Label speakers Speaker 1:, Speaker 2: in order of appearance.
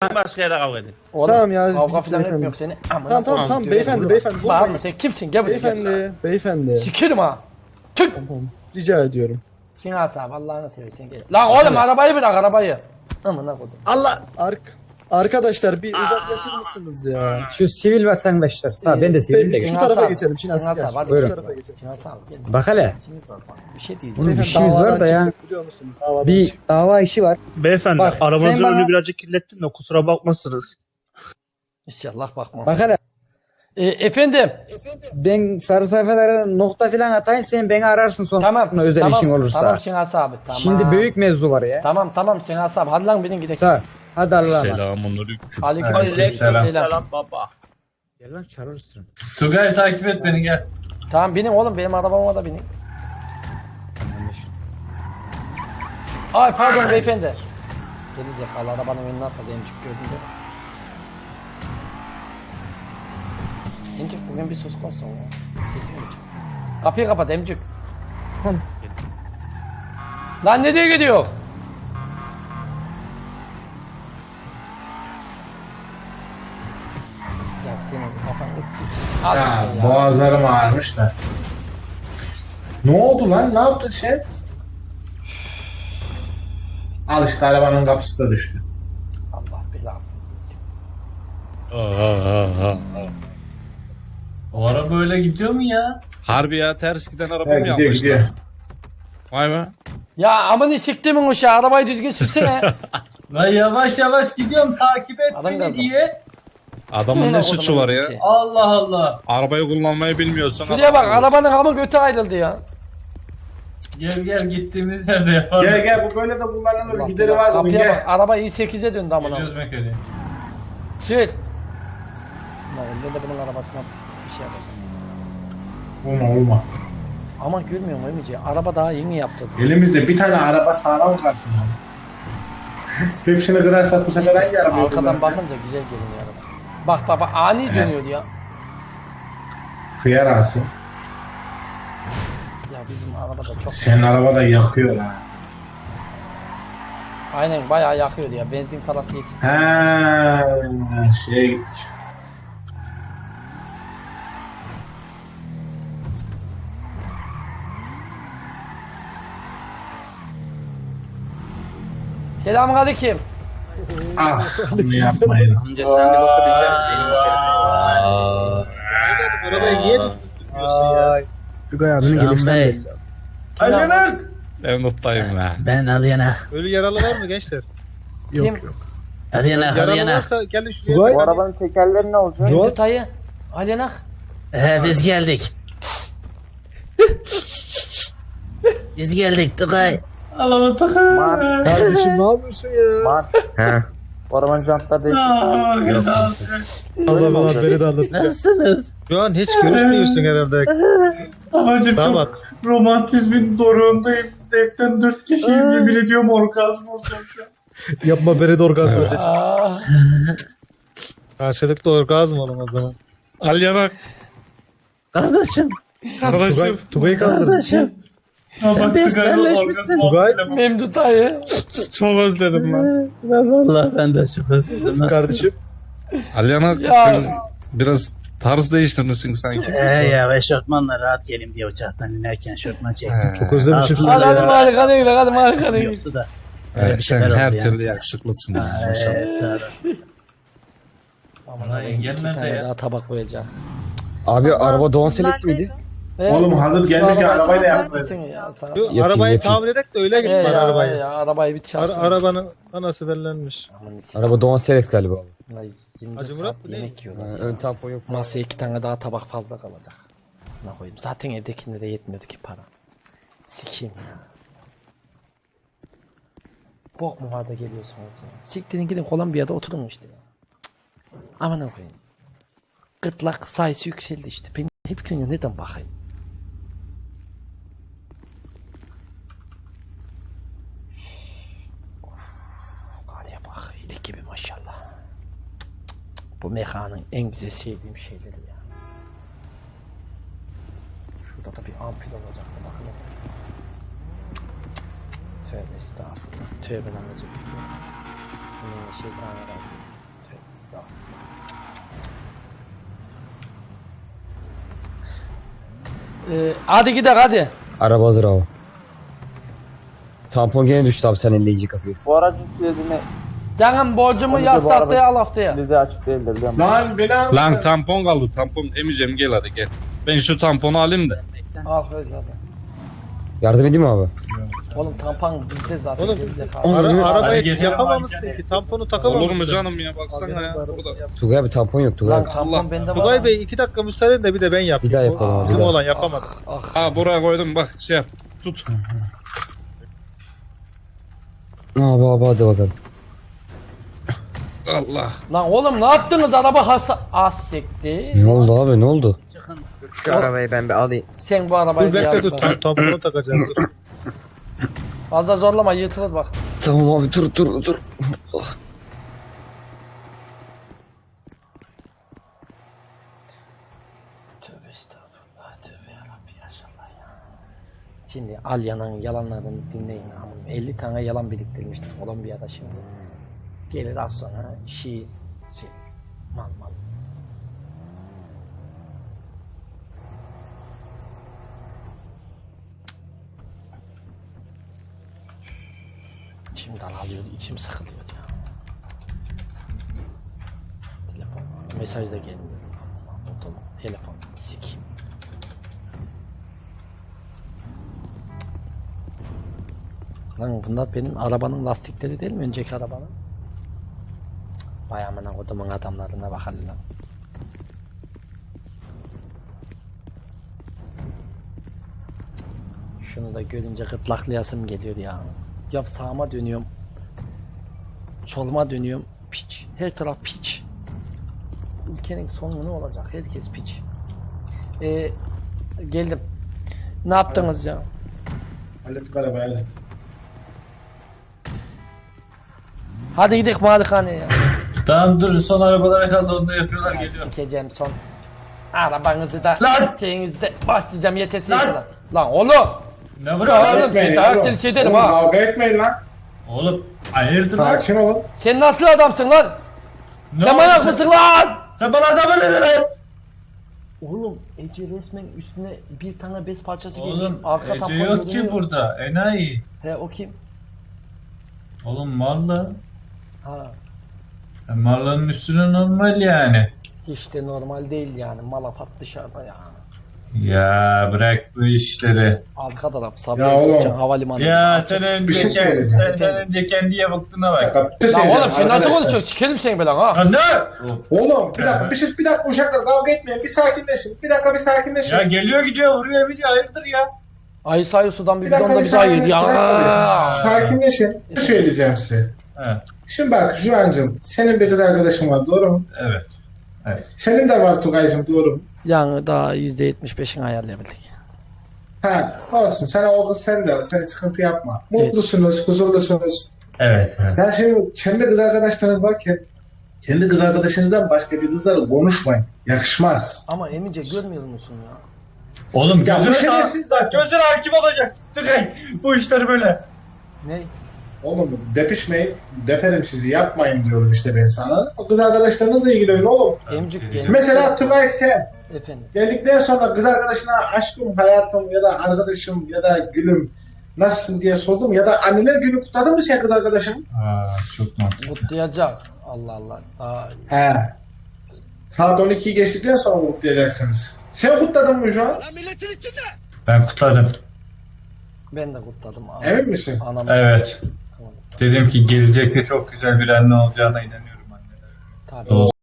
Speaker 1: Başka yere kavga edin.
Speaker 2: Oğlum,
Speaker 3: Tamam ya,
Speaker 2: kavga
Speaker 3: git
Speaker 2: falan
Speaker 3: beyefendi.
Speaker 2: etmiyorum seni.
Speaker 3: Tamam beyefendi.
Speaker 2: Bağırma sen kimsin? Gel buraya.
Speaker 3: Beyefendi.
Speaker 2: Sikerim ha. Çık.
Speaker 3: Rica ediyorum.
Speaker 2: Şinasi abi Allah'ını seversen gel. Lan oğlum arabayı bırak arabayı. Amına koydum.
Speaker 3: Allah! Arkadaşlar bir uzaklaşır mısınız ya?
Speaker 4: Şu sivil vatandaşlar. Sağ ben de sivilim de.
Speaker 3: Şu
Speaker 2: Şinasi
Speaker 3: tarafa
Speaker 2: abi.
Speaker 3: geçelim. Şinasi
Speaker 2: Şinasi
Speaker 3: gel.
Speaker 2: abi, hadi
Speaker 3: Şu
Speaker 4: buyurun.
Speaker 3: tarafa geçelim.
Speaker 2: Şinasi abi gel.
Speaker 4: Bak hele.
Speaker 2: İşimiz var bak. Bir şey
Speaker 4: Oğlum,
Speaker 2: diyeceğim.
Speaker 4: bir işimiz var da ya.
Speaker 3: Çıktık, biliyor musunuz? Davadan
Speaker 4: Bir
Speaker 3: çıktık.
Speaker 4: dava işi var.
Speaker 5: Beyefendi
Speaker 4: Bak, sen
Speaker 5: arabanızın
Speaker 4: bana-
Speaker 5: önünü birazcık kirlettim de kusura bakmazsınız.
Speaker 2: İnşallah bakma.
Speaker 4: Bak hele.
Speaker 2: Efendim.
Speaker 4: Ben sarı sayfalara nokta falan atayım sen beni ararsın sonra.
Speaker 2: Tamam.
Speaker 4: Özel
Speaker 2: tamam,
Speaker 4: işin olursa.
Speaker 2: Tamam Şinasi abi. Tamam.
Speaker 4: Şimdi büyük mevzu var ya.
Speaker 2: Tamam Şinasi abi. Hadi lan benim gidelim.
Speaker 4: Sağ. Hadi Allah'a emanet.
Speaker 1: Selamünaleyküm.
Speaker 2: Aleyküm selam.
Speaker 1: Selam baba.
Speaker 4: Gel lan çağırırsın.
Speaker 6: Tugay takip et beni gel.
Speaker 2: Tamam binin oğlum benim arabama da binin. Ay pardon beyefendi. Gerizekalı arabanın önüne atladı emcik gördün değil mi? Emcik bugün bir söz konusu mu? Sesin mi? Kapıyı kapat emcik. Lan ne diye gidiyor? Ya senin kafanı s***. Al
Speaker 6: Ya
Speaker 2: ya.
Speaker 6: boğazlarım ağrımış da. Ne oldu lan? Ne yaptın sen? Al işte arabanın kapısı da düştü.
Speaker 2: Allah belasını versin.
Speaker 6: O araba öyle gidiyor mu ya?
Speaker 1: Harbi ya ters giden araba
Speaker 6: Evet
Speaker 1: mı
Speaker 6: gidiyor
Speaker 1: yapmışlar?
Speaker 6: gidiyor.
Speaker 1: Vay be.
Speaker 2: Ya amını siktimin uşağı arabayı düzgün sürsene.
Speaker 6: Lan yavaş yavaş gidiyorum takip et
Speaker 2: Adam
Speaker 6: beni
Speaker 2: geldi.
Speaker 6: diye.
Speaker 1: Adamın ne suçu var ya?
Speaker 6: Allah Allah.
Speaker 1: Arabayı kullanmayı bilmiyorsan.
Speaker 2: Şuraya bak arabanın hamı götü ayrıldı ya.
Speaker 6: Gel gittiğimiz yerde yapalım. Gel bu böyle de kullanılır.
Speaker 2: Allah
Speaker 6: Gideri
Speaker 2: Allah,
Speaker 6: var bunun
Speaker 2: kapıya bak
Speaker 6: gel.
Speaker 2: araba i8'e döndü amına.
Speaker 6: Geliyoruz Mekke'de.
Speaker 2: Sür. Lan ben de bunun arabasına bir şey yapacağım.
Speaker 6: Olma.
Speaker 2: Ama görmüyor mu Emice? Araba daha yeni yaptı.
Speaker 6: Elimizde bir tane araba sağlam kalsın ya. Hepsini kırarsak bu sefer hangi arabayı
Speaker 2: Arkadan
Speaker 6: kullanacağız?
Speaker 2: bakınca güzel görünüyor araba. Bak ani dönüyor ya.
Speaker 6: Kıyar alsın.
Speaker 2: Ya bizim araba da çok...
Speaker 6: Senin araba da yakıyor ha.
Speaker 2: Aynen bayağı yakıyor ya. Benzin parası yetişti.
Speaker 6: Ha, şeye gittik.
Speaker 2: Selamünaleyküm.
Speaker 6: Ah, bunu yapmayın.
Speaker 1: Önce sen bir bakabileceksin.
Speaker 5: Arabaya niye
Speaker 3: Ay.
Speaker 4: Tugay abinin gelişinden belli.
Speaker 6: Alyanak!
Speaker 1: Ben nottayım ya.
Speaker 7: Ben Alyana.
Speaker 5: Ölü yaralı var mı gençler?
Speaker 2: Kim?
Speaker 7: Alyana,
Speaker 5: Yaralı
Speaker 7: Alyana.
Speaker 5: varsa gelin şuraya.
Speaker 3: Tugay.
Speaker 4: Bu arabanın tekerleri ne olacak?
Speaker 2: Ümit Ayı. Alyanak.
Speaker 7: Biz geldik. Biz geldik Tugay.
Speaker 6: Allah'ım takım.
Speaker 3: Kardeşim ne yapıyorsun ya?
Speaker 4: He. Bu arabanın jantları değişik.
Speaker 3: Allah bana beni de anlatacak.
Speaker 7: Nasılsınız?
Speaker 5: Şu an hiç görüşmüyorsun herhalde.
Speaker 6: Babacım
Speaker 5: Damat.
Speaker 6: çok romantizmin doruğundayım. Zevkten 4 kişiyim yemin ediyorum orgazm olacağım şu an.
Speaker 3: Yapma beni de orgazm edecek.
Speaker 2: Aa.
Speaker 5: Karşılıklı orgazm olun o zaman.
Speaker 1: Alyanak.
Speaker 7: Kardeşim.
Speaker 1: Kardeşim.
Speaker 3: Tugay'ı kaldırdı.
Speaker 7: Kardeşim. Sen besbelleşmişsin.
Speaker 3: Tugay.
Speaker 2: Memdut Ayı.
Speaker 1: Çok özledim ben.
Speaker 7: Vallahi ben de çok özledim.
Speaker 3: Kardeşim.
Speaker 1: Alyanak
Speaker 2: Ya.
Speaker 1: sen biraz tarz değiştirmişsin sanki.
Speaker 7: Ya eşofmanla rahat geleyim diye uçaktan inerken şortman çektim.
Speaker 3: Çok özlemişim sizi
Speaker 2: Hadi
Speaker 3: ya.
Speaker 2: harika değil, hadi harika değil.
Speaker 7: Yoktu da.
Speaker 1: Evet, sen
Speaker 7: şeyler
Speaker 1: her
Speaker 7: oldu
Speaker 1: türlü
Speaker 7: yani.
Speaker 1: yakışıklısın.
Speaker 7: Evet sağ ol.
Speaker 2: Aman
Speaker 6: Lan
Speaker 2: Allah'ım,
Speaker 6: engel
Speaker 2: iki
Speaker 6: nerede
Speaker 2: tane
Speaker 6: ya?
Speaker 2: daha tabak koyacağım.
Speaker 4: Abi araba Doğan Selex miydi?
Speaker 6: Oğlum hazır geldik ya arabayı da yapmayız.
Speaker 2: Ya, sana-
Speaker 5: Şu arabayı tamir edek de öyle git bana arabayı.
Speaker 2: ya, arabayı bir çarpsın.
Speaker 5: Arabanın anası bellenmiş.
Speaker 2: Aman sikeyim.
Speaker 4: Araba Doğan Selex galiba.
Speaker 2: Vallahi 24
Speaker 5: Acı
Speaker 2: saat
Speaker 5: Murat mı, ne?
Speaker 2: yemek yiyorlar.
Speaker 4: Ön tampon yok.
Speaker 2: Masaya 2 tane daha tabak fazla kalacak. Ne koyayım? Zaten evdekinde de yetmiyordu ki para. Sikeyim ya. Bok mu var da geliyorsunuz ya? Siktirin gidin Kolombiya'da oturun işte ya. Cık. Aman ne koyayım? Gırtlak sayısı yükseldi işte. Ben hepsine neden bakayım? Karıya bak, iyilik gibi maşallah. Bu mekanın en güzel sevdiğim şeyleri ya. Şurada da bir ampul olacaktı bakın. Tövbe estağfurullah. Tövbe lan özür dilerim. Şeytanirracim. Hadi gidelim hadi.
Speaker 4: Araba hazır abi. Tampon gene düştü abi sen elleyici kapıyı.
Speaker 8: Bu aracın fiyatını
Speaker 2: Canım borcumu
Speaker 8: Onu
Speaker 2: yaz
Speaker 8: da bu araba-
Speaker 2: tahtaya al haftaya.
Speaker 8: bize açık değildir değil mi?
Speaker 6: Lan beni al.
Speaker 1: Lan tampon kaldı tampon. Emicem gel hadi gel. Ben şu tamponu alayım da.
Speaker 2: Al öyle hadi.
Speaker 4: Yardım edeyim mi abi?
Speaker 2: Oğlum tampon bizde zaten.
Speaker 5: Oğlum,
Speaker 2: bizde kaldı.
Speaker 5: Arabayı yapamamışsın ki. Tamponu takamamışsın.
Speaker 1: Olur mu canım ya baksana ya. Burada.
Speaker 4: Tugay abi tampon yok Tugay
Speaker 2: Lan
Speaker 4: abi.
Speaker 2: tampon
Speaker 1: Allah.
Speaker 2: bende var.
Speaker 5: Tugay Bey 2 dakika müsaade edin de bir de ben yapayım.
Speaker 4: Bir daha yapalım abi, bir
Speaker 5: Bizim
Speaker 4: daha.
Speaker 5: olan yapamadı.
Speaker 1: Ha buraya koydum bak şey yap. Tut.
Speaker 4: Abi hadi bakalım.
Speaker 1: Allah.
Speaker 2: Lan oğlum ne yaptınız araba hasta... Az sekti.
Speaker 4: Ne oldu abi ne oldu?
Speaker 3: Şu arabayı ben bir alayım.
Speaker 2: Sen bu arabayı
Speaker 5: Dur
Speaker 2: bir
Speaker 5: bekle
Speaker 2: yap
Speaker 5: dur
Speaker 2: bak.
Speaker 5: tamponu takacağız. Dur.
Speaker 2: Fazla zorlama yırtılır bak.
Speaker 4: Tamam abi dur.
Speaker 2: Tövbe estağfurullah. Tövbe yarabbim yaşallah ya. Şimdi Alya'nın yalanlarını dinleyin. Amın 50 tane yalan biriktirmiştik Kolombiya'da şimdi. Gelir az sonra şey mal. İçimden alıyor, içim sıkılıyor ya. Telefon, mesaj da gelmiyor. Buldum, telefon, sikeyim. Lan bunlar benim arabanın lastikleri değil mi? Önceki arabanın. Vay amına kodumun adamlarına bak hadi lan. Şunu da görünce gırtlaklayasım geliyor ya. Ya sağıma dönüyorum. Soluma dönüyorum. Piç. Her taraf piç. Ülkenin sonu ne olacak? Herkes piç. Geldim. Ne yaptınız ya?
Speaker 6: Hallettik arabayı hadi.
Speaker 2: Hadi gidelim malikaneye ya.
Speaker 9: Tamam dur son arabalara kaldı onu da yapıyorlar geliyor.
Speaker 2: Sikeceğim son. Arabanızı da
Speaker 9: Lan!
Speaker 2: şeyinizi de başlayacağım yetesi lan. Lan oğlum.
Speaker 9: Ne
Speaker 2: Ya
Speaker 9: vuruyor
Speaker 2: oğlum
Speaker 9: oğlum?
Speaker 2: ben davetli şey derim
Speaker 6: Oğlum,
Speaker 2: ha.
Speaker 6: kavga etmeyin lan.
Speaker 9: Oğlum hayırdır lan?
Speaker 6: Sakin olun.
Speaker 2: Sen nasıl adamsın lan?
Speaker 9: Ne
Speaker 2: Sen
Speaker 9: oldu?
Speaker 2: manyak mısın lan?
Speaker 9: Sen bana zaman dedin lan.
Speaker 2: Oğlum Ece resmen üstüne bir tane bez parçası
Speaker 9: Oğlum
Speaker 2: giymiş. Arka
Speaker 9: Ece
Speaker 2: tampon
Speaker 9: yok ki
Speaker 2: görünüyor.
Speaker 9: burada enayi.
Speaker 2: He o kim?
Speaker 9: Oğlum Marla.
Speaker 2: Ha.
Speaker 9: Marla'nın üstüne normal yani.
Speaker 2: Hiç de normal değil yani. Malafat dışarıda ya.
Speaker 9: Ya bırak bu işleri.
Speaker 2: Arka taraf
Speaker 6: Ya
Speaker 2: Sabiha
Speaker 6: oğlum.
Speaker 2: Gökçen Havalimanı.
Speaker 9: Ya sen önce,
Speaker 6: Bir şey söyleyeyim.
Speaker 9: sen önce kendiye baktığına bak.
Speaker 6: Bir şey
Speaker 2: Lan
Speaker 6: söyleyeceğim
Speaker 2: oğlum sen nasıl
Speaker 6: arkadaşlar.
Speaker 2: konuşuyorsun? Sikerim seni belan ha.
Speaker 9: Ya ne?
Speaker 6: Oğlum bir dakika bir dakika uşaklar kavga etmeyin bir sakinleşin. Bir dakika bir sakinleşin.
Speaker 9: Ya geliyor gidiyor vuruyor Emici hayırdır ya?
Speaker 2: Ayı sayı sudan bir
Speaker 6: Bir dakika
Speaker 2: bidonda
Speaker 6: bir
Speaker 2: bize ayır
Speaker 6: sakin,
Speaker 2: ya.
Speaker 6: bir dakika, sakinleşin. Bir şey söyleyeceğim size.
Speaker 9: He,
Speaker 6: Şimdi bak Juan'cığım senin bir kız arkadaşın var doğru mu?
Speaker 9: evet. Evet.
Speaker 6: Senin de var Tugay'cığım doğru mu?
Speaker 2: Yani daha %75'ini ayarlayabildik.
Speaker 6: Ha olsun sana o kız sen de sen sıkıntı yapma. Mutlusunuz, huzurlusunuz.
Speaker 9: Evet. Evet.
Speaker 6: Ya şimdi kendi kız arkadaşlarınız varken kendi kız arkadaşınızdan başka bir kızlarla konuşmayın. Yakışmaz.
Speaker 2: Ama Emice görmüyor musun ya?
Speaker 9: Oğlum
Speaker 6: Ya bu
Speaker 9: gözüne
Speaker 6: şerefsiz bak.
Speaker 9: gözüne hakim olacak. Tıkay. Bu işler böyle.
Speaker 2: Ne?
Speaker 6: Oğlum depişmeyin, deperim sizi yapmayın diyorum işte ben sana. O kız arkadaşlarınızla ilgilenin oğlum.
Speaker 2: Emcik geldi.
Speaker 6: Mesela Tugay sen
Speaker 2: Efendim.
Speaker 6: geldikten sonra kız arkadaşına aşkım, hayatım ya da arkadaşım ya da gülüm nasılsın diye sordum ya da anneler günü kutladın mı sen kız arkadaşın?
Speaker 9: Aa, çok mantıklı.
Speaker 2: Kutlayacak. Allah Allah. Aa,
Speaker 6: He. Saat 12'yi geçtikten sonra kutlayacaksınız. Sen kutladın mı şu an?
Speaker 9: Ben kutladım.
Speaker 2: ben de kutladım.
Speaker 6: Emin misin?
Speaker 2: Anam.
Speaker 9: Evet. Dedim ki gelecekte çok güzel bir anne olacağına inanıyorum anne.
Speaker 2: Tabii.
Speaker 9: Doğru.